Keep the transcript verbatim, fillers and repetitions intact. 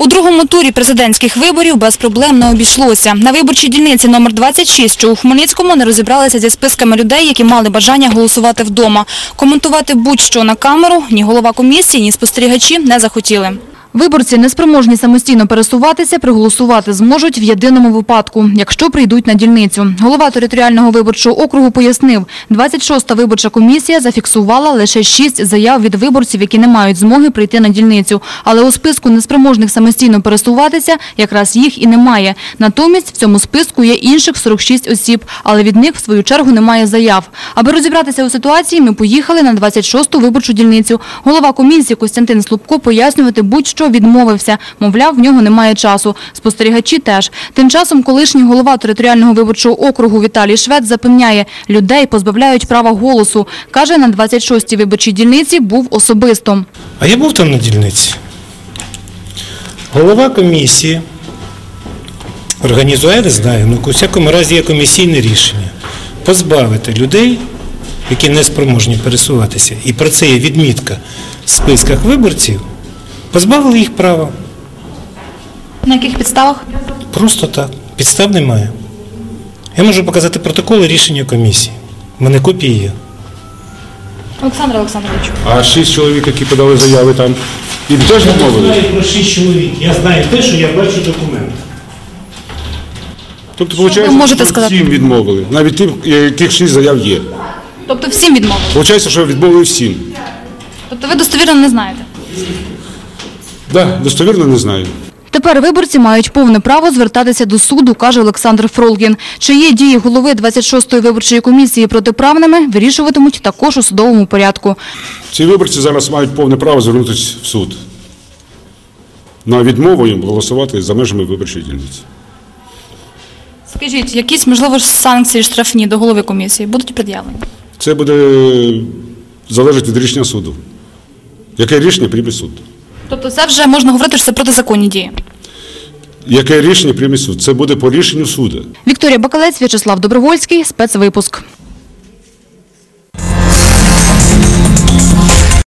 У другому турі президентських виборів без проблем не обійшлося. На виборчій дільниці номер двадцять шість, що у Хмельницькому, не розібралися зі списками людей, які мали бажання голосувати вдома. Коментувати будь-що на камеру ні голова комісії, ні спостерігачі не захотіли. Виборці, неспроможні самостійно пересуватися, проголосувати зможуть в єдиному випадку, якщо прийдуть на дільницю. Голова територіального виборчого округу пояснив, двадцять шоста виборча комісія зафіксувала лише шість заяв від виборців, які не мають змоги прийти на дільницю. Але у списку неспроможних самостійно пересуватися якраз їх і немає. Натомість в цьому списку є інших сорок шість осіб, але від них в свою чергу немає заяв. Аби розібратися у ситуації, ми поїхали на двадцять шосту виборчу дільницю. Голова комісії Костянтин Слупко пояснювати будь-що відмовився. Мовляв, в нього немає часу. Спостерігачі теж. Тим часом колишній голова територіального виборчого округу Віталій Швець запевняє, людей позбавляють права голосу. Каже, на двадцять шостій виборчій дільниці був особисто. А я був там на дільниці. Голова комісії організує, не знаю, ну, у всякому разі є комісійне рішення. Позбавити людей, які не спроможні пересуватися, і про це є відмітка в списках виборців, позбавили їх права. На яких підставах? Просто так. Підстав немає. Я можу показати протоколи рішення комісії. У мене копії є. Олександр Олександрович. А шість чоловік, які подали заяви там, їм теж відмовили? Я знаю про шість чоловік. Я знаю те, що я бачу документи. Тобто, Що ви виходить, можете що сказати? всім відмовили. Навіть тим, яких шість заяв є. Тобто всім відмовили? Виходить, що відмовили всім. Тобто ви достовірно не знаєте? Так, достовірно не знаю. Тепер виборці мають повне право звертатися до суду, каже Олександр Фролгін. Чи є дії голови двадцять шостої виборчої комісії протиправними, вирішуватимуть також у судовому порядку. Ці виборці зараз мають повне право звернутися в суд. На відмову їм голосувати за межами виборчої дільниці. Скажіть, якісь, можливо, санкції штрафні до голови комісії будуть пред'явлені? Це буде залежати від рішення суду. Яке рішення прийме суд? Тобто це вже можна говорити, що це протизаконні дії? Яке рішення прийме суд? Це буде по рішенню суду. Вікторія Бакалець, В'ячеслав Добровольський, спецвипуск.